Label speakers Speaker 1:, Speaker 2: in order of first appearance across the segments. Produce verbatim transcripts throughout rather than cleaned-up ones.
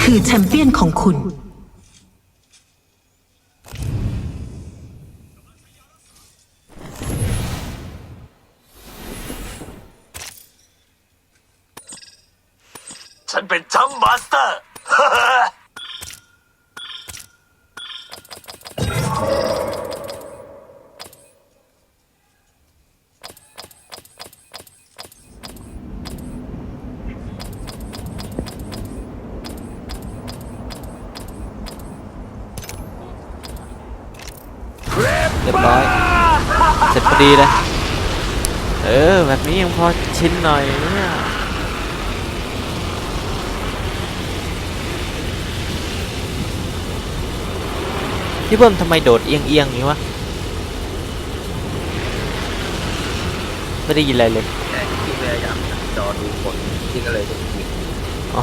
Speaker 1: คือแชมเปี้ยนของคุณ
Speaker 2: ฉันเป็นจัมป์มาสเตอร์
Speaker 3: เรียบร้อยเสร็จพอดีเลยเออแบบนี้ยังพอชินหน่อยเนี่ยพี่เบิ้มทำไมโดดเอียงเอียงอย่างนี้วะไม่ได้ยินอะไรเลย
Speaker 4: แต่ที่พยายามจอดูผลที่ก็เลยจะยิง
Speaker 3: อ๋อ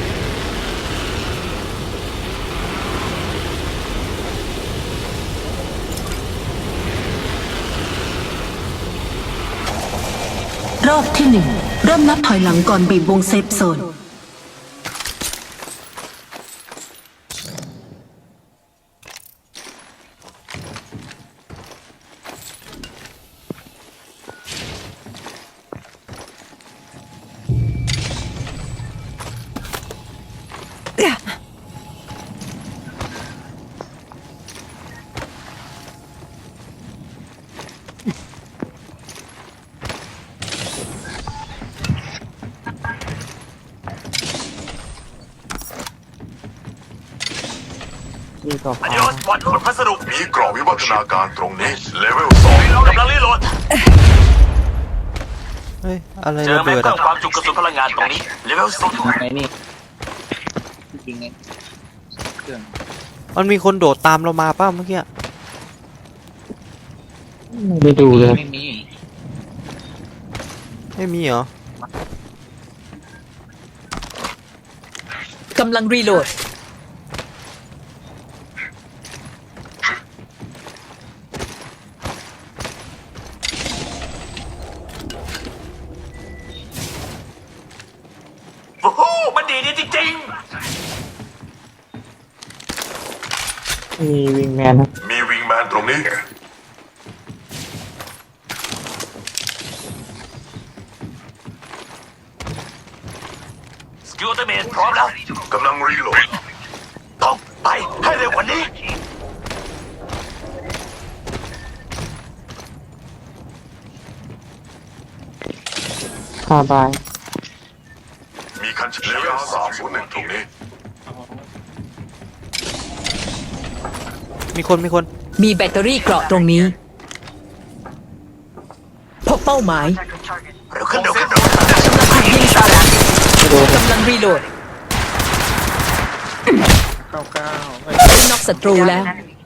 Speaker 1: รอบที่หนึ่งเริ่มนับถอยหลังก่อนบีบวงเซฟโซน
Speaker 3: นี่ก็
Speaker 2: อันนี้รถวันขนพัสดุ
Speaker 5: มีกรอบวิวัฒนาการตรงนี้เลเวลสอง
Speaker 2: กำลังรีโหลด
Speaker 3: เฮ้ยอะไร
Speaker 2: เจอ
Speaker 3: ระ
Speaker 2: แม็ก
Speaker 3: เบิด
Speaker 2: เพิ่
Speaker 3: อ่ะ
Speaker 2: มความจุกระสุนพลังงานตรงนี้เลเวลสอง
Speaker 4: ไงนี่จริงไงเครื่อง
Speaker 3: มันมีคนโดดตามเรามาป่ะเมื่อกี้
Speaker 4: ไม่ดูเลยไม่มี
Speaker 3: ไม่มีเหรอ
Speaker 6: กำลังรีโหลด
Speaker 2: โอ้โหมันดีดีจริง
Speaker 4: มีวิงแมน
Speaker 5: มีวิงแมนตรงนี้
Speaker 2: ๆสกิลอัลติเมทพร้อมแล้ว
Speaker 5: กำลังรีโหลด
Speaker 2: ต้องไปให้เร็วกว่านี้
Speaker 4: คาบาย
Speaker 5: มีคันเลเวลสามศูนย์หนึ่งตรงนี้
Speaker 3: มีคนมีคน
Speaker 6: มีแบตเตอรี่เกราะตรงนี้พบเป้าหมาย
Speaker 2: เร็วขึ้นเร็วขึ้นเร็วขึ้น
Speaker 6: ยิงสาระกำลังรีโหลด
Speaker 4: เก้าเก้า
Speaker 6: น็อกศัตรูแล้ว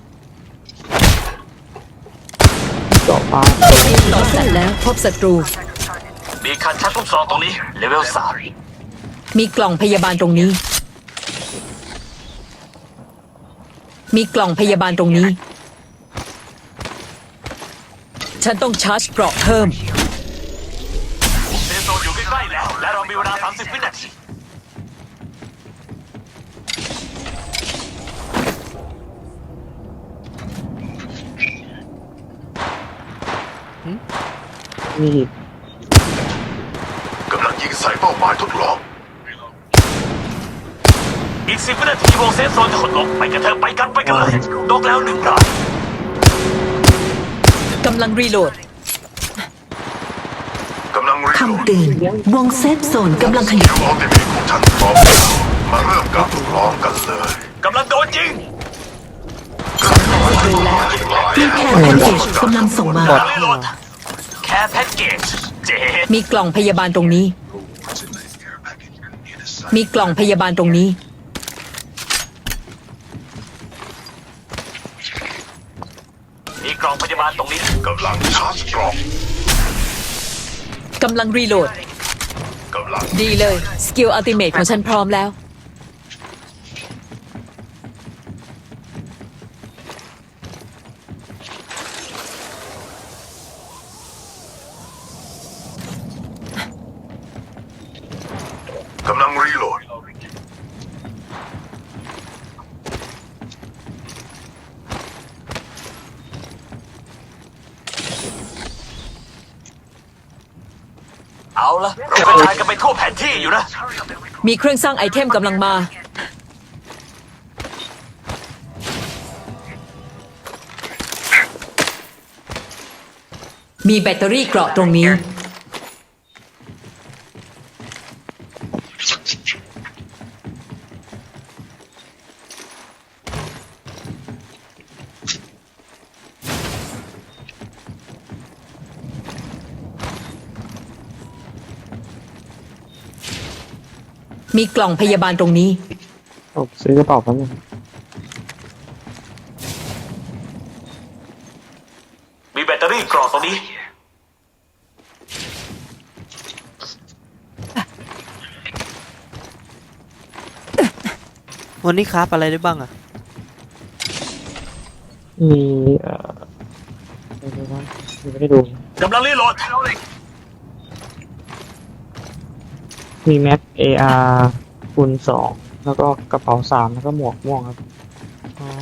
Speaker 4: เจาะฟ้า
Speaker 6: ต่อสัตว์แล้วพบศัตรู
Speaker 2: มีคันชักลูกซองตรงนี้เลเวลสาม
Speaker 6: มีกล่องพยาบาลตรงนี้ มีกล่องพยาบาลตรงนี้ ฉันต้องชาร์จเกราะเพิ่ม
Speaker 2: เซฟโซนอยู่ใกล้ๆแล้วและเรามีเวลาสามสิบวินาที
Speaker 4: มี
Speaker 5: กำลังยิงใส่เป้าหมายทดลอง
Speaker 2: อีกสิบวินาทีวงเซฟโซนจะหดลงไปกันเถอะไปกันไปกันเลยนกแล้วหนึ่งราย
Speaker 6: กำลังรีโหลด
Speaker 5: กำลังรีโหลด
Speaker 1: คำเตือนวงเซฟโซนกำลังขยาย
Speaker 5: คิวอัลติเมทของฉันพร้อมมาเริ่มการทดลองกันเลย
Speaker 2: กำลังโดนยิง
Speaker 1: มีแคร์แพ็กเกจกำลังส่งมา
Speaker 2: กำลังรีโหลดแค่แพ็กเกจเจ็ด
Speaker 6: มีกล่องพยาบาลตรงนี้ มีกล่องพยาบาลตรงนี้
Speaker 2: มีกล่องพยาบาลตรงนี้
Speaker 5: กำลังชาร์จกรอบ
Speaker 6: กำลังรีโหลด
Speaker 5: กำลัง
Speaker 6: ดีเลย สกิลอัลติเมทของฉันพร้อมแล้ว
Speaker 5: กำลังรีโหลด
Speaker 2: เอาละเรากระจายกันไปทั่วแผนที่อยู่นะ
Speaker 6: มีเครื่องสร้างไอเทมกำลังมา มีแบตเตอรี่เกราะตรงนี้ มีกล่องพยาบาลตรงนี้
Speaker 7: ผมซื้อกระเป๋าแป๊บนึง
Speaker 2: มีแบตเตอรี่กรอกตรงนี้
Speaker 3: วันนี้คราฟอะไรได้บ้างอะ
Speaker 7: มีเอ่ออะไรบ้างยังไม่ได้ดู
Speaker 2: กำลังรีโหลด
Speaker 7: มีแม็ก เอ อาร์ คูณสองแล้วก็กระเป๋าสามแล้วก็หมวกม่วงครับ
Speaker 3: อ๋อ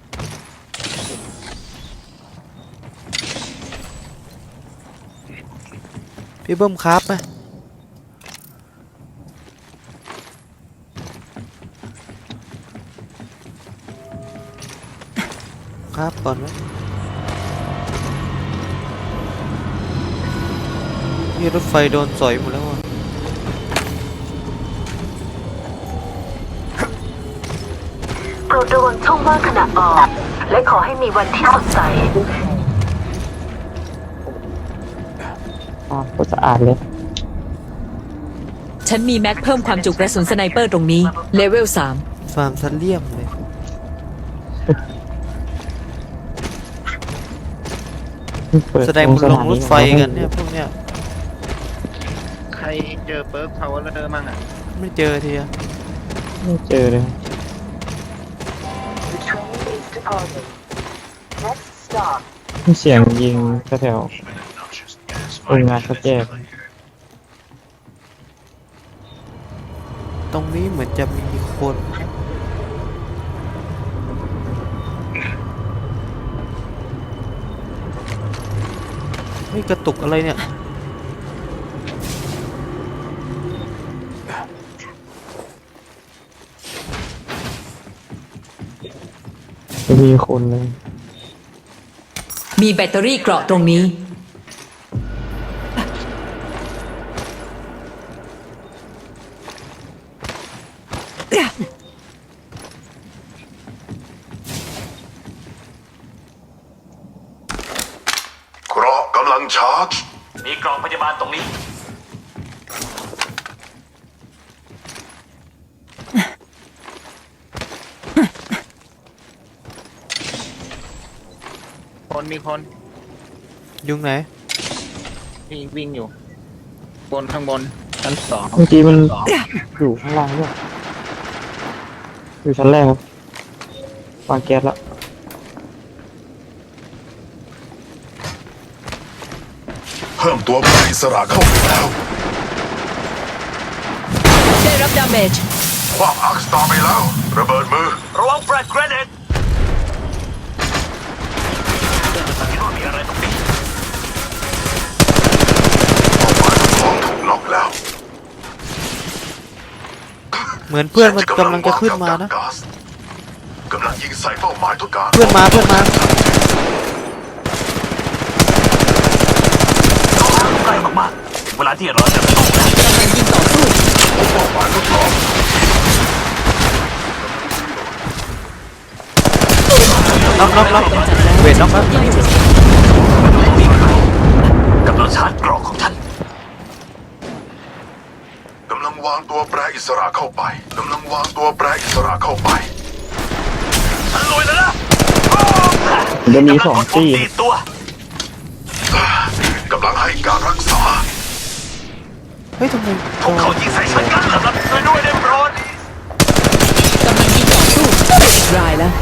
Speaker 3: พี่เบิ้มคราฟไหมคราฟก่อนไหมนี่รถไฟโดนสอยหมดแล้วอ่ะ
Speaker 1: โปรดระวังช่องว่างขณะออก และขอให้มีวันที่สดใส
Speaker 7: อ่าก็สะอาดเลย
Speaker 6: ฉันมีแม็กเพิ่มความจุกระสุนสไนเปอร์ตรงนี้ เลเวลสาม
Speaker 3: ฟาร์มซันเลียมเลย
Speaker 7: เปิ
Speaker 3: แสดงมันลงรถไฟ
Speaker 7: สถา
Speaker 3: กันเนี่ยพวกเนี้ย
Speaker 4: ใครเจอเปิร์กพาวเวอร์มั่งอ่ะ
Speaker 3: ไม่เจอทีอะ
Speaker 7: ไม่เจอเลย มีเสียงยิงแถวๆโรงงานเขาแยก
Speaker 3: ตรงนี้เหมือนจะมีคนไม่กระตุกอะไรเนี่ย
Speaker 7: จะมีคนเลย
Speaker 6: มีแบตเตอรี่เกราะตรงนี้
Speaker 5: เกราะกำลังชาร์จ
Speaker 2: มีกล่องพยาบาลตรงนี้
Speaker 4: คนมีคน
Speaker 3: ยุงไหน
Speaker 4: วิ่งวิ่งอยู่ บนข้างบนชั้นสอง
Speaker 7: เมื่อกี้มันอยู่ข้างล่างด้วยอยู่ชั้นแรกครับวางแก๊สแล้ว
Speaker 5: เพิ่มตัวผู้อิสระเข้าไปแล้ว
Speaker 6: ได้รับดาเมจ
Speaker 5: คว้างอาร์คสตาร์ไปแล้ว ระเบิดมือ
Speaker 2: ระวังแฟลชเกรเนตคิดว่ามีอะไรตรงนี้
Speaker 5: ของถูกล็อกแล้ว
Speaker 3: เหมือนเพื่อนมันกำลังจะขึ้นมานะ
Speaker 5: กำลังยิงใส่เป้าหมายทุกการ
Speaker 3: เพื่อนมาเพื่อนมา
Speaker 2: ใกล้มากๆถึงเวลาที่เราจะต้องแล้ว
Speaker 6: กำลังยิงต่อสู้
Speaker 5: เป้าหมายทดลอง
Speaker 3: น็อกน็อกน็อกเวทน็อกแล้ว
Speaker 2: กำลังชาร์จกรอกของฉัน
Speaker 5: กำลังวางตัวแปรอิสระเข้าไปกำลังวางตัวแปรอิสระเข้าไป
Speaker 2: ฉันลุยแล้วนะ
Speaker 7: จะมีสองที่
Speaker 2: กำลักดปุ่มดีดตัว
Speaker 5: กำลังให้การรักษา
Speaker 3: เฮ้ยทำไม
Speaker 2: พวกเขายิงใส่ฉันกันเหรอครับช่วยด้วยได้โปรด
Speaker 6: กำลังยิงต่อสู้รายแล้ว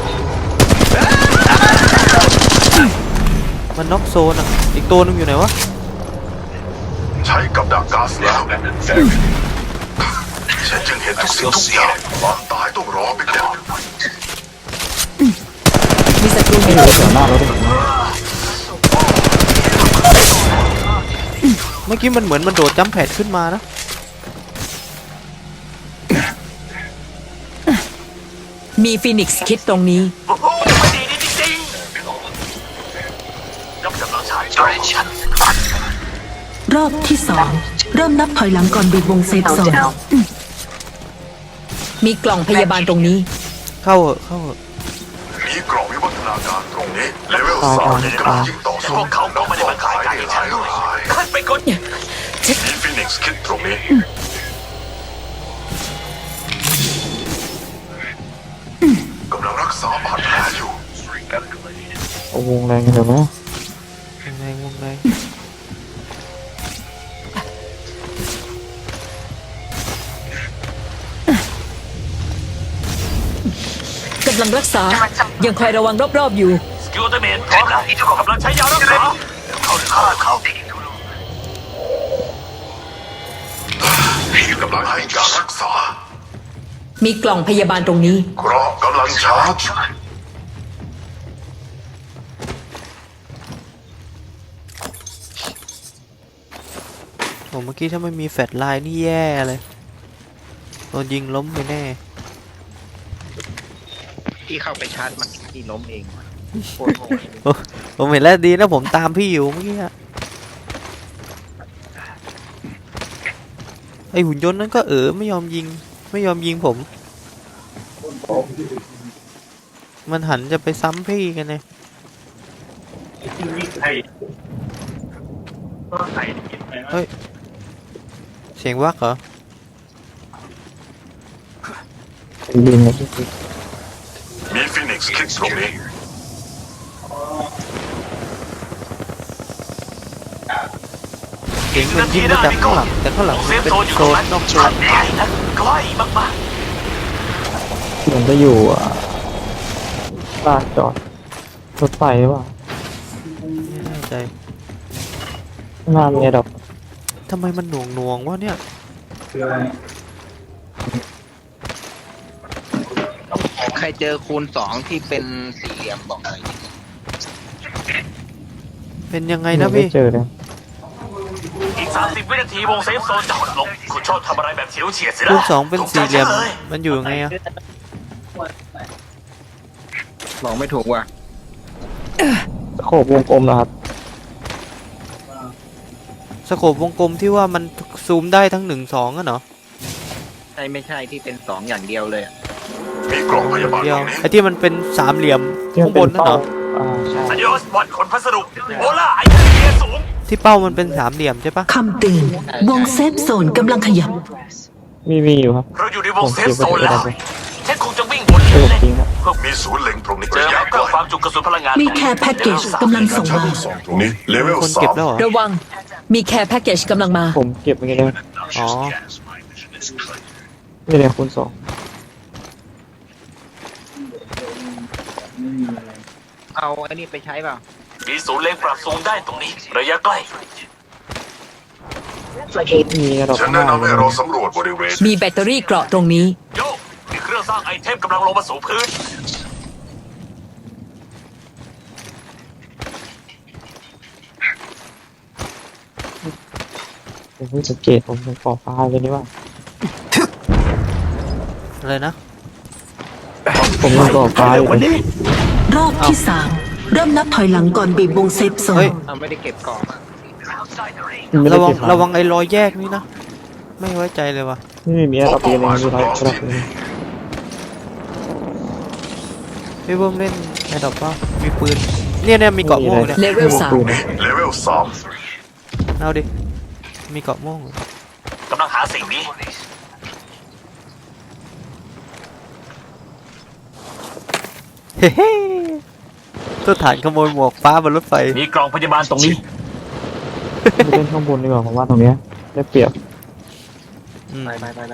Speaker 3: มันน็อกโซนอ่ะ อีกตัวนึงอยู่ไหนวะ
Speaker 5: ใช้กับดักก๊าซแล้วฉันจึงเห็นทุกสิ่งทุกอย่างความตายต้องรอไปก่อน
Speaker 6: มีศัตรู
Speaker 7: ไม่
Speaker 6: เห็น
Speaker 7: รู้เสียงหน้ารถเลย
Speaker 3: มมื่อกี้มันเหมือนมันโดดจัมป์แพดขึ้นมานะ
Speaker 6: มีฟีนิกซ์คิดตรงนี้
Speaker 2: โอ้โหไม่ดีนี่จริงๆยกกำลังชายจอยฉัน
Speaker 1: รอบที่สองเริ่มนับถอยหลังก่อนบีบวงเซฟโซน
Speaker 6: มีกล่องพยาบาลตรงนี้
Speaker 3: เข้าเหอะเข้าเหอะ
Speaker 5: มีกล่องวิวัฒนาการตรงนี้เลเวลสามกำลังยิงต่อ
Speaker 2: พ
Speaker 5: สู้
Speaker 2: วกเขาก็ไม่ได้มาขายการให้ฉันด้วยขึ้นไปกด
Speaker 5: มีฟินิกซ์คิดตรงนี้กำลังรักษาบาดแผลอยู่
Speaker 7: เอาวงแรงกันเดี๋ยวนะ
Speaker 3: วงแรงวงแรง
Speaker 6: กำลังรักษา ยังคอยระวังรอบๆอยู่
Speaker 2: สกิลเตอร์เมนพร้อมแล้วกำลังใช้ยารักษาเข้าเข้าเข้าก
Speaker 5: ำลังให้การรักษา
Speaker 6: มีกล่องพยาบาลตรงนี้
Speaker 5: เกราะกำลังชาร์จ
Speaker 3: โอ้เมื่อกี้ถ้าไม่มีแฟลชไลน์นี่แย่เลยโดนยิงล้มไปแน่
Speaker 4: ที่เข้าไปชาร์จมันที่ล้มเองโคตรโง่
Speaker 3: โอ้ผมเห็นแล้วดีนะผมตามพี่อยู่เมื่อกี้อะไอหุ่นยนต์นั้นก็เออไม่ยอมยิงไม่ยอมยิงผม มันหันจะไปซ้ำพี่กันเลยเฮ้ยเสียงวักเหรอ
Speaker 7: บินเลยที่
Speaker 5: มีฟินิกซ์คิดตรงนี้
Speaker 3: เสียงมันยิงมาจากข้างหลังแต่ข้างหลัง
Speaker 2: เซ
Speaker 3: มัน
Speaker 2: ฟ
Speaker 3: เป็น
Speaker 2: โซนอยู่
Speaker 3: โซ
Speaker 2: ตรง
Speaker 3: น
Speaker 2: นั้น
Speaker 3: นอกโซ
Speaker 2: ชั
Speaker 3: น
Speaker 2: ดใหญ่นะใกล้มาก
Speaker 7: มันจะอยู่อ่ะลานจอดรถไฟหรือเปล่า
Speaker 3: ไม่แน่ใจ
Speaker 7: ข้างหน้ามีดอก
Speaker 3: ทำไมมันหน่วงหน่วงๆวะเนี่ย
Speaker 4: ใครเจอคูณสองที่เป็นสี่เหลี่ยมบอกหน่อย
Speaker 3: เป็นยังไงนะ
Speaker 7: ไม่
Speaker 3: พี่
Speaker 7: เจอเลย
Speaker 2: ๆอีกสามสิบวินาทีวงเซฟโซนจะหดลงคุณชอบทำอะไรแบบเฉียวเฉียดสิ
Speaker 3: คู
Speaker 2: นะ
Speaker 3: ณสองเป็นสี่เหลี่ยม
Speaker 2: ถูกใจฉันเลย
Speaker 3: มันอยู่ยังไงอะ
Speaker 4: บอกไม่ถูกว่ะ
Speaker 7: สโคบวงกลมนะครับ
Speaker 3: สโคปวงกลมที่ว่ามันซูมได้ทั้งหนึ่งสองอะเนาะ
Speaker 4: ใช่ไม่ใช่ที่เป็นสองอย่างเดียวเลยอะ
Speaker 5: มีกล่องพยาบาล
Speaker 3: เดี
Speaker 5: ต
Speaker 3: ยว
Speaker 5: รงนี้
Speaker 3: ไอ้ที่มันเป็นสามเหลี่ยม
Speaker 7: ที่มั
Speaker 3: ข้าน งบ
Speaker 7: เป็น
Speaker 3: นนั่น
Speaker 7: เป้า
Speaker 3: เหรอ
Speaker 7: อ่าใช่
Speaker 2: อันยอสบอลขนพัสดุโอล่าไอเทียสูง
Speaker 3: ที่เป้ามันเป็นสามเหลี่ยมใช่ปะ
Speaker 1: คำเตือนวงเซฟโซนกำลังขยับ
Speaker 7: มีมีอยู่ครับ
Speaker 2: เราอยู่ในวงเซฟโซนแล้วฉันคงจะวิ่งบน
Speaker 7: เออ
Speaker 2: เล่น
Speaker 7: จริงครับ
Speaker 5: มีศูนย์เล็งตรงนี้
Speaker 2: เจอ
Speaker 5: ระยะ
Speaker 2: แล้ว
Speaker 5: ใก
Speaker 2: ก็
Speaker 5: ล้
Speaker 2: ความจุกระสุนพลังงาน
Speaker 1: มีแค่แพ็กเกจกำลังส่งมา
Speaker 5: สองตรงนี้เลเวล
Speaker 3: คน
Speaker 5: สา
Speaker 3: เก็บ
Speaker 5: ม
Speaker 3: แล้วเหรอ
Speaker 6: ระวัง มีแคร์แพ็กเกจกำลังมา
Speaker 7: ผมเก็บไปเลย
Speaker 3: อ๋อ
Speaker 7: นี่เลยคูณสอง
Speaker 4: เอาไอ้นี่ไปใช้เปล่า
Speaker 2: มีศูนย์เล็งปรับสูงได้ตรงนี้ ระยะใกล้
Speaker 7: มีดอก
Speaker 5: ฉัน
Speaker 7: ข้างห
Speaker 5: แนะ
Speaker 7: น้าน
Speaker 5: ำให้เราสำรวจบริเวณ
Speaker 6: มีแบตเตอรี่เกราะตรงนี้
Speaker 2: โยมีเครื่องสร้างไอเทมกำลังลงมาสู่พื้น
Speaker 7: ผมเพิ่งสังเกตผมเป็นขอบฟ้าเลยนี่ว่า
Speaker 3: อะไรนะ
Speaker 7: ผมเป็นขอบฟ้าอยู่เลย
Speaker 1: รอบที่สามเริ่มนับถอยหลังก่อนบีบวงเซฟโซ
Speaker 3: เฮ้
Speaker 1: น
Speaker 3: ย
Speaker 4: เอาไม่ได้เก็บกล่องอะ
Speaker 7: ไม่ได้
Speaker 3: ระวัง
Speaker 7: เก็บมา
Speaker 3: ระวังไอ้รอยแยกนี่นะ ไม่ไว้ใจเลยว่ะ
Speaker 7: นี่มีอะไรปีนึงมีอะไรระดับนึง
Speaker 3: พี่เบิ้มเล่นไอ้ดอกเป้ามีปืน เนี่ยเนี่ยมีเกาะม่วงเนี่ย
Speaker 6: เลเวลสาม
Speaker 5: เลเวลสาม
Speaker 3: เอาดิ มีเกาะม่วงเหรอก
Speaker 2: ำลังหาสิ่งนี้
Speaker 3: เฮ้เฮ้ตัวฐานขโมยหมวกฟ้าบนรถไฟ
Speaker 2: มีกล่องพยาบาลตรงนี้
Speaker 7: ไปเล่นข้างบนดีกว่าผมว่าตรงเนี้ยได้เปรียบ
Speaker 3: อืม
Speaker 4: ไปไปไปไป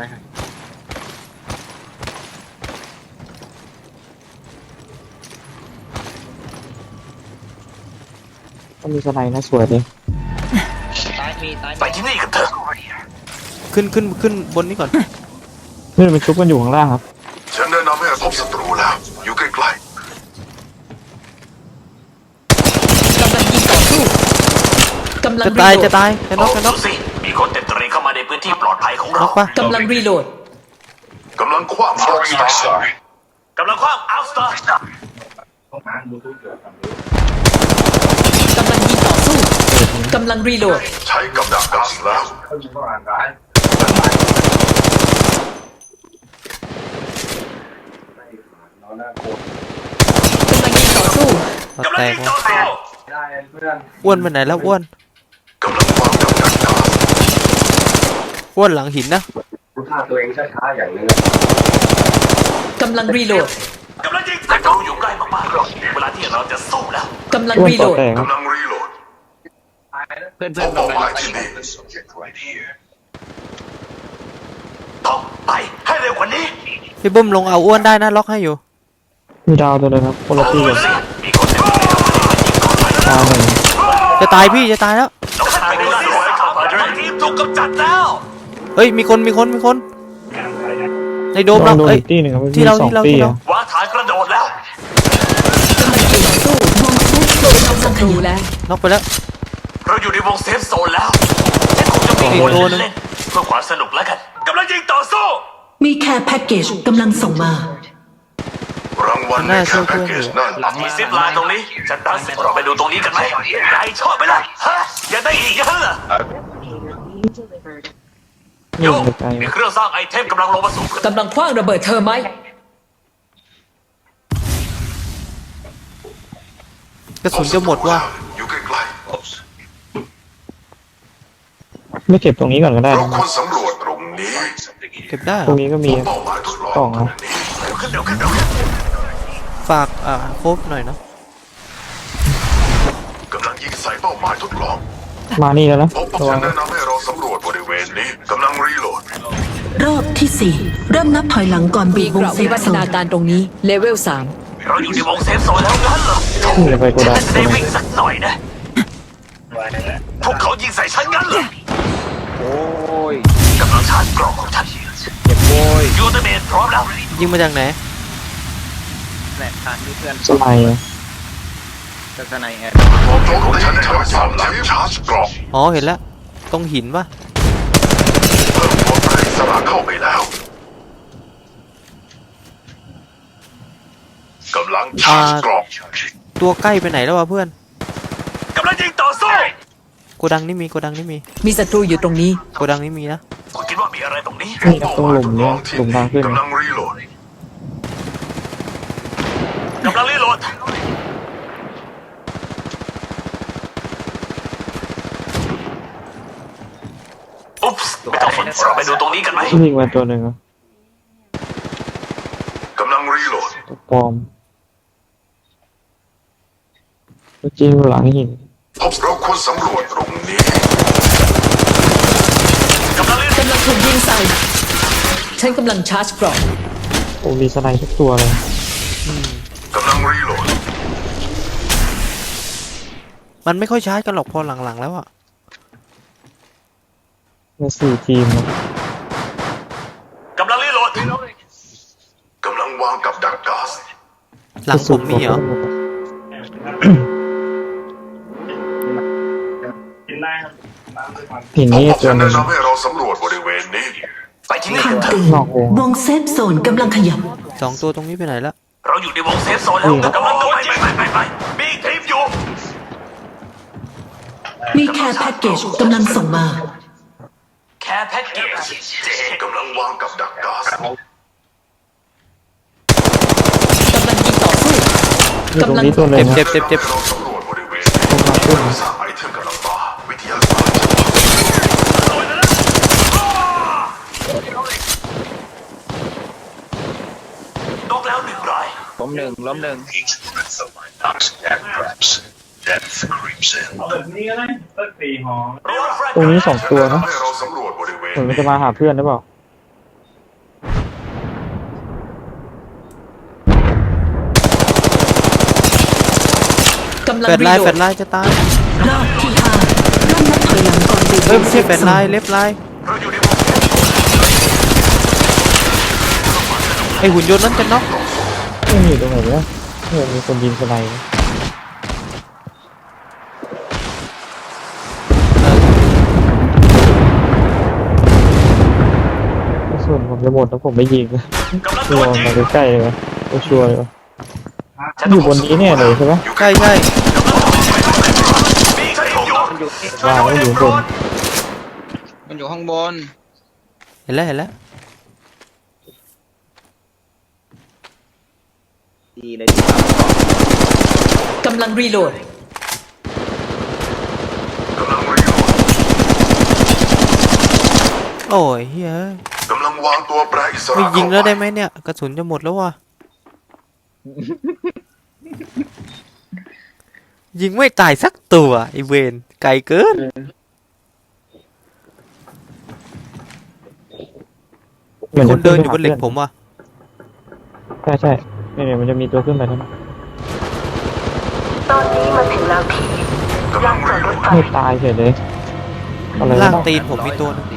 Speaker 7: ก็มีสไนด์นะสวยเลย
Speaker 4: ตายมีตาย
Speaker 2: ไปที่นี่กันเถอะ
Speaker 3: ขึ้นขึ้นขึ้นบนนี้ก่อน
Speaker 7: นี่มันชุบกันอยู่ข้างล่างครับ
Speaker 5: ฉันแนะนำให้พบศัตรูแล้ว อยู่ใกล้
Speaker 6: กำลังยิงต่อสู้ กกำลัง
Speaker 3: จะ
Speaker 6: รี
Speaker 3: ตาย
Speaker 6: โหล
Speaker 3: จะ
Speaker 6: ด
Speaker 3: ตายจะน็อกจะน็
Speaker 2: ดู
Speaker 3: อก
Speaker 2: สิมีคนเต็มตรีเข้ามาในพื้นที่ปลอดภัยของ
Speaker 3: น็
Speaker 2: เรา
Speaker 3: อกปะ
Speaker 6: กำลังรีโหลด
Speaker 5: กำลังคว้างอาร์สตาร์
Speaker 2: กำลังคว้างอัลสตาร์
Speaker 6: กำลังยิงต่อสู้ กำลังรีโหลด
Speaker 5: ใช้กับดักก๊าซแล้ว
Speaker 6: กำลังยิงต่อสู้
Speaker 3: เรา
Speaker 2: กำลั
Speaker 3: แต
Speaker 2: ง
Speaker 3: ก
Speaker 2: ยิง
Speaker 3: ว่ะ
Speaker 2: ต่อสู้
Speaker 3: อ้วนไปไหนแล้วอ้วน
Speaker 5: กำลังวางกับดักก๊าซ
Speaker 3: อ้วนหลังหินนะ
Speaker 6: กำลังรีโหลด
Speaker 2: กำลังยิงศัตรูอยู่ใกล้มากๆเวลาที่เราจะสู้แล้ว
Speaker 6: กำลัง
Speaker 7: อ้วน
Speaker 6: รีโห
Speaker 7: ต่
Speaker 6: ล
Speaker 7: อ
Speaker 6: ด
Speaker 7: แตกครับ
Speaker 5: กำลังรีโหลด
Speaker 4: เพื่อน
Speaker 5: พ
Speaker 4: เพื่อน
Speaker 5: บ
Speaker 4: กำ
Speaker 5: เป้า
Speaker 4: ลั
Speaker 5: ห
Speaker 4: ง
Speaker 5: มายที่นี่
Speaker 2: ต้องไปให้เร็วกว่านี้
Speaker 3: พี่บุ้มลงเอาอ้วนได้นะล็อกให้อยู่
Speaker 7: มีดาวตัวเลยครับคนละที่
Speaker 2: ดู
Speaker 7: กัน
Speaker 2: สิมีคนเต็มตรีเข้ามาในพื้นที่ปลอดภัย
Speaker 7: ดาวหนึ่ง
Speaker 3: จะตายพี่จะตายแล้ว
Speaker 2: น้องชายดูสิครับทีมถูกกำจัดแล้ว
Speaker 3: เฮ้ยมีคนมีคนมีคนในโดม
Speaker 7: ลอ
Speaker 3: เรา
Speaker 7: งโดน
Speaker 3: เอ้ย
Speaker 7: อีกที่หนึ่งครับ
Speaker 3: ที่เรา
Speaker 7: มีสอง
Speaker 3: ที่เรา
Speaker 7: ที่
Speaker 3: ที่เรา
Speaker 7: อะ
Speaker 2: วางฐานกระโดดแล้ว
Speaker 6: กำลังยิงต่อสู้
Speaker 1: วงเซฟโซน
Speaker 6: เรา
Speaker 1: กำลั
Speaker 6: ศั
Speaker 1: งข
Speaker 6: ตรู
Speaker 1: ยับ
Speaker 6: แล้ว
Speaker 3: น็อกไปแล้ว
Speaker 2: เราอยู่ในวงเซฟโซนแล้วฉันคงจะมีคนเล่นเพื่อความสนุกแล้วกันกำลังยิงต่อสู้
Speaker 1: มีแคร์แพ็กเกจกำลังส่งมา
Speaker 5: รางวัลในแค่แพ็กเกจนั่น
Speaker 2: มีซิปไลน์ตรงนี้ฉันดังเราไปดูตรงนี้กันไหมนายชอบไหมล่ะฮะอยากได้อีกอยังเหรอ
Speaker 7: นี่
Speaker 2: โย
Speaker 7: ไปไกล
Speaker 2: มีเครื่องสร้างไอเทมกำลังลงมาสู่พื้น
Speaker 6: กำลังคว้างระเบิดเธอไหม
Speaker 3: กระสุนจะหมดว่ะ
Speaker 5: อยู่ใกล้
Speaker 7: ไม่เก็บตรงนี้ก่อนก็
Speaker 5: ๆ
Speaker 7: ได้
Speaker 5: เรา
Speaker 7: นะ
Speaker 5: ควรสำรวจตรงนี้
Speaker 3: เก็บได้เห
Speaker 7: ต
Speaker 3: ร
Speaker 7: ร
Speaker 3: อง
Speaker 7: นี้ก็มี
Speaker 5: เป้าหมายทดลอง
Speaker 7: กล่องนะ
Speaker 2: เร็วขึ้นเร็วขึ้นเร็วขึ้น
Speaker 3: ฝากอ่าโคบหน่อยเนาะ
Speaker 5: กำลังยิงใส่เป้าหมายทดลอง
Speaker 7: มานี่แล้วนะ
Speaker 5: พบ
Speaker 7: ระวั
Speaker 5: ฉั
Speaker 7: ง
Speaker 5: นแนะนำให้เราสำรวจบริเวณนี้กำลังรีโหลด
Speaker 1: รอบที่สี่เริ่มนับถอยหลังก่อนบี
Speaker 6: มี
Speaker 1: บ
Speaker 6: เก
Speaker 1: วง
Speaker 6: ราะ
Speaker 1: เซ
Speaker 6: วิ
Speaker 1: ฟ
Speaker 6: วัฒ
Speaker 1: โซน
Speaker 6: นาการตรงนี้ เลเวลสาม
Speaker 2: เราอยู่ในวงเซฟโซนแล้วงั้นเหรอ
Speaker 7: นี่จะไปโกดัง
Speaker 2: ฉันจะได้วิ่งสักหน่อยนะพวกเขายิงใส่ฉันงั้นเหรอ
Speaker 4: โอ้ย
Speaker 2: กำลังชาร์จกล่องของฉัน
Speaker 4: เจ็บโว้ย
Speaker 2: ยูเตอร์เมนพร้อมแล้ว
Speaker 3: ยิงมาจากไหน
Speaker 4: แหลกทานที่เพื่อน
Speaker 7: สไลด์อะ
Speaker 4: จะสไนแอด
Speaker 5: โจมตีทั้งสามแถมชาร์จกรอบ
Speaker 3: อ๋อเห็นแล้วตรงหินปะ
Speaker 5: เพิ่มตัวแปรอิสระเข้าไปแล้วกำลังชาร์จกรอบ
Speaker 3: ตัวใกล้ไปไหนแล้ววะเพื่อน
Speaker 2: กำลังยิงต่อสู้
Speaker 3: โกดังนี่มีโกดังนี่มี
Speaker 6: มีศัตรูอยู่ตรงนี้
Speaker 3: โกดังนี่มีนะ
Speaker 2: คุณคิดว่ามีอะไรตรงนี้
Speaker 7: นี่ครับตรงหลุมเนี่ยหลุมทางขึ้น
Speaker 5: กำลังรีโหลด
Speaker 2: กำลังรีโหลดอุ๊ปส์ไม่ต้องสนเราไปดูตรงนี้กันไหม
Speaker 7: วิ่งมาตัวหนึ่งอะ
Speaker 5: กำลังรีโหลด
Speaker 7: ตัวปลอมตัวจริงอยู่หลังหิน
Speaker 5: พบเราควรสำรวจตรงนี้
Speaker 2: กำลังรีโหลด
Speaker 6: กำลังถูกยิงใส่ ฉันกำลังชาร์จเกราะ
Speaker 7: โอ้มีสไลด์ทุกตัวเลย
Speaker 5: กำลังรีโหลด
Speaker 3: มันไม่ค่อยชาร์จกันหรอกพอหลังๆแล้วอะ
Speaker 7: มาสี่ทีมนะ
Speaker 2: กำลังรีโหลด
Speaker 5: กำลังวางกับดักก๊าซ
Speaker 3: หลังผมมีเหรอ
Speaker 7: หิน
Speaker 5: พบ
Speaker 7: นี่
Speaker 5: ผม
Speaker 7: ตัว
Speaker 5: ฉัน
Speaker 7: หนึ่
Speaker 5: แนะ
Speaker 7: ง
Speaker 5: นำให้เราสำรวจบริเวณนี้
Speaker 2: ไปที่นี่
Speaker 1: คำ
Speaker 2: กันเถ
Speaker 1: เตื
Speaker 2: อะ
Speaker 1: อน
Speaker 7: นอกวง
Speaker 1: วงเซฟโซนกำลังขยับ
Speaker 3: สองตัวตรงนี้ไปไหนละ
Speaker 2: เราอยู่ในวงเซฟโซนแล้วกำลังโดนยิงไปไปไปมีอีกทีมอยู่
Speaker 1: มีแคร์แพ็กเกจกำลังส่งมา
Speaker 2: แค่แพ็กเกจเจ
Speaker 5: กำลังวางกับดักก๊าซ
Speaker 6: กำลังยิงต่อสู้
Speaker 7: อยู่ตรง
Speaker 6: กำลัง
Speaker 7: นี้ตัวหนึ่
Speaker 3: เจ็
Speaker 7: ง
Speaker 3: บเจ็บเจ็บเจ็บ
Speaker 5: เราสำรวจบริเวณ
Speaker 7: ตรงทางขึ้น
Speaker 5: สร้างไอเทมกำลังมาวิทยาศาสตร์
Speaker 2: นกแล้วหนึ่งราย
Speaker 4: ล้มหนึ่งล้มหนึ่ง
Speaker 7: ตรงนี้สองตัวนะ
Speaker 5: ให้เราสำรวจบริเวณ
Speaker 7: เหมือนมันจะมาหาเพื่อนหรือเปล่า
Speaker 6: กำลัง
Speaker 3: แฟด
Speaker 6: รี
Speaker 3: ไลน์
Speaker 6: โหล
Speaker 3: แฟ
Speaker 6: ด
Speaker 3: ดไลน์จะตาย
Speaker 1: รอบที่ห้าเริ่มนับถอยหลังก่อนบีบว
Speaker 3: เฮ้ย
Speaker 1: ง
Speaker 3: ไม่
Speaker 1: เซ
Speaker 3: ใช่
Speaker 1: ฟ
Speaker 3: แฟด
Speaker 1: โซ
Speaker 3: ไล
Speaker 1: น
Speaker 3: น์เล็บไลน์
Speaker 2: เราอยู่ในวงเซฟโซน
Speaker 3: ไอหุ่นยนต์นั้นจะน็อก
Speaker 7: ไม่มีตรงไหนเลยเฮ้ยมีคนยิงสไลด์นะนผมจะหมดแล้วผมไม่ยิงนะ
Speaker 2: กำลัง
Speaker 7: ร
Speaker 2: โด
Speaker 7: อน
Speaker 2: ยิง
Speaker 7: มาใกล้ๆเลยก็ชัวร์เลยวะ
Speaker 2: ฉัน
Speaker 7: อยู่บนนี้แน่เลยใช่ไหม
Speaker 3: ใช่ใช่
Speaker 2: มีฉันอยู่
Speaker 4: มันอยู่
Speaker 7: ว่าไม่อยู่บน
Speaker 4: มันอยู่ข้างบน
Speaker 3: เห็นแล้วเห็นแล้ว
Speaker 4: ดีเลย
Speaker 6: กำลังรีโหลด
Speaker 5: กำลังรีโหลด
Speaker 3: โอ้ยเฮ้ย
Speaker 5: กำลังวางตัวแปรอิส
Speaker 3: ไม่
Speaker 5: ระ
Speaker 3: ยิงแล้วได้
Speaker 5: เข้า
Speaker 3: ไหมเนี่ยกระสุนจะหมดแล้วว่ะ ยิงไม่ตายสักตัวไอเวนไกลเกิน มีคนเดินอยู่บนเหล็กผมว่ะ
Speaker 7: ใช่ใช่เนี่ยเนี่ยมันจะมีตัวขึ้นไปนั่น
Speaker 1: ตอนนี้มาถึงแล้วพี่
Speaker 5: กำลังรีโหลด
Speaker 7: ไม่ตายเฉยเลยอะไร
Speaker 3: ล่าง
Speaker 7: วะ
Speaker 3: ตีนผมมีตัวนึง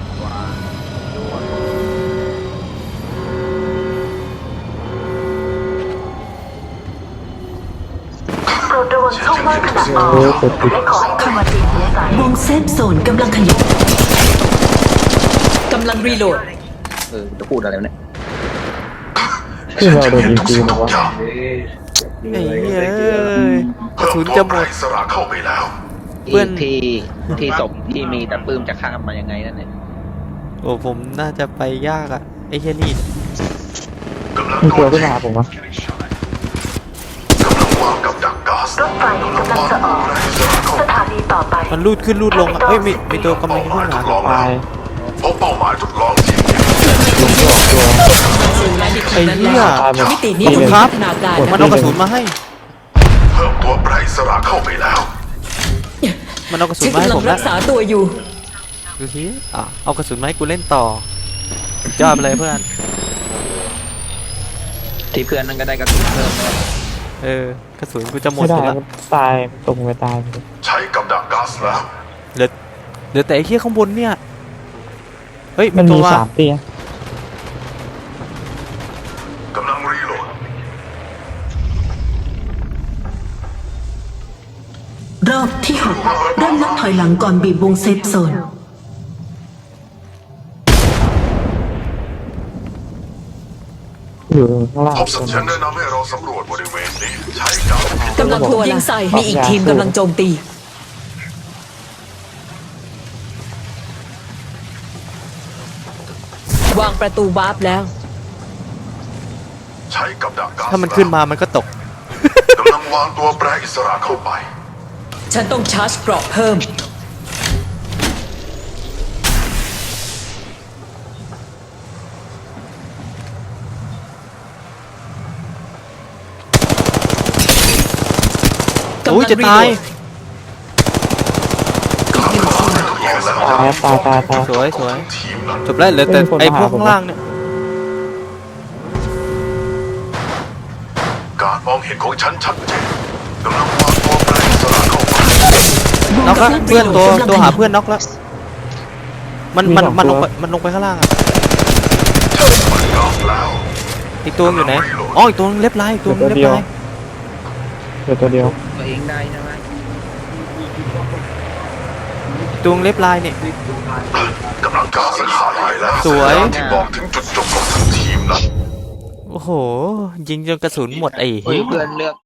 Speaker 1: โปรดระวังช่องว่างขนาดออก
Speaker 7: เออกดปิด
Speaker 1: และขอให้เข้ามาตีหัวสายวงเซฟโซนกำลังขยับ
Speaker 6: กำลังรีโหลด
Speaker 4: เออจะพูดอะไรวะเนี่ย
Speaker 7: ที่เราโดนยิง
Speaker 5: ทุก
Speaker 7: จริ
Speaker 5: สิ่
Speaker 7: ง
Speaker 5: ง
Speaker 7: หร
Speaker 5: ทุ
Speaker 7: อก วะ
Speaker 5: อย่าง
Speaker 3: ไอ้เฮ้ยกระ
Speaker 5: เพิ่ม
Speaker 3: สุน
Speaker 5: ตัว
Speaker 3: จะห
Speaker 5: แป
Speaker 3: ม
Speaker 5: ร
Speaker 3: ด
Speaker 5: อิสระเข้าไปแล้ว
Speaker 3: เพื่อน
Speaker 4: ที่ที่ศพที่มีแต่ปื้มจะข้ามมายังไงนั่นเนี่ย
Speaker 3: โอ้ผมน่าจะไปยากอะไอ้เช่นนี่
Speaker 5: กำลัง
Speaker 7: มี
Speaker 5: โด
Speaker 7: ตัวน ขึ้น
Speaker 5: ยิง
Speaker 7: มาหาผมวะ
Speaker 5: กำลังวางกับดักก๊าซ
Speaker 1: รถไฟกำลังจะออก
Speaker 5: แปรอิสระเข้า
Speaker 1: ส
Speaker 5: ไป
Speaker 1: ถานีต่อไป
Speaker 3: มันลูดขึ้นลูดลงอะเอ้ยมีมีตัวกำลังจะขึ้นมา
Speaker 7: ตาย
Speaker 5: พบเป้าหมายทดลองจริง
Speaker 7: ลงไม่ออกตัว
Speaker 6: สู่แลนดิค
Speaker 3: ไอ้
Speaker 6: นั้น
Speaker 3: เหี้
Speaker 6: แล้
Speaker 3: ยว
Speaker 6: มิตินี้
Speaker 3: ขอบคุณ
Speaker 6: มี
Speaker 3: ครับ
Speaker 6: พัฒนาการ
Speaker 3: มันเอากระสุนมาให้
Speaker 5: เพิ่มตัวแปรอิสระเข้าไปแล้ว
Speaker 3: มันเอากระสุน
Speaker 6: ฉัน
Speaker 3: มาให้
Speaker 6: กำลั
Speaker 3: ผ
Speaker 6: ง
Speaker 3: ม
Speaker 6: รั
Speaker 3: แล้ว
Speaker 6: กษาตัวอยู่
Speaker 3: ดูทีอ่ะเอากระสุนมาให้กูเล่นต่อสุดยอดไปเลยเพื่อน
Speaker 4: ที่เพื่อนนั่นก็ได้กระสุนเพิ่มเลย
Speaker 3: เออกระสุนกูจะหมด
Speaker 7: ไม่
Speaker 3: อ
Speaker 7: ได้
Speaker 3: ยู่แล้ว
Speaker 7: มันตายตกไปตาย
Speaker 5: ใช้กับดักก๊าซแล้ว
Speaker 3: เหลือเหลือแต่ไอ้เหี้ยข้างบนเนี่ยเฮ้ย
Speaker 7: มัน
Speaker 3: ตั
Speaker 7: มี
Speaker 3: ว
Speaker 7: สามเตีย
Speaker 5: กำลังรีโหลด
Speaker 1: รอบที่หกเริ่มนับถอยหลังก่อนบีบวงเซฟโซน
Speaker 7: อยู่ข้างล่าง
Speaker 5: พบสัญญาณแนะนำให้เราสำรวจบริเวณนี้ ใช้กับ
Speaker 6: กำลังถูกยิงใส่ มีอีกทีมกำลังโจมตี วางประตูวาร์ปแล้ว
Speaker 5: ใช้กับดักก๊าซ
Speaker 3: ถ้ามันขึ้นมามันก็ตก
Speaker 5: กำลังวางตัวแปรอิสระเข้าไป
Speaker 6: ฉันต้องชาร์จเกราะเพิ่ม
Speaker 3: โอ้ยจะตาย
Speaker 7: ตายตายตายตาย
Speaker 3: สวยสวย
Speaker 5: ทีมนั้น
Speaker 3: จบแล้วเหลือแต่
Speaker 7: เป็นคน
Speaker 3: ไอ้พวก
Speaker 7: มาหาผม
Speaker 3: ข้างล่างเนี่ย
Speaker 5: การมองเห็นของฉันชัดเจนกำลังวางตัวแปรอิสระเข้าไป
Speaker 3: น็อกแล้วเพื่อนตัว
Speaker 1: กำลัง
Speaker 3: ตัวหา
Speaker 1: ขยับ
Speaker 3: เพื่อนน็อกแล้ว มันมันมันลงไปมันลงไปข้างล่างอ่ะ
Speaker 5: มันน็อกแล้ว
Speaker 3: อีกตัวอยู่ไหนอ๋ออีกตัวนึงเล็บลายอีกตัวนึงเล็บลาย
Speaker 7: เหลือตัวเดียว
Speaker 4: ตัวเองได้ใช่ไหม
Speaker 3: อีกตัวนึงเล็บลายเนี่ย
Speaker 5: กำลังก๊าซขาดหายแล้ว
Speaker 3: สวย
Speaker 5: สัญญาณที่บอกถึงจุดจบของทั้งทีมนั้น
Speaker 3: โอ้โห ยิงจนกระสุนหมดไอ้
Speaker 4: เฮ้ย
Speaker 3: เหี้ย
Speaker 4: เพื่อนเลือก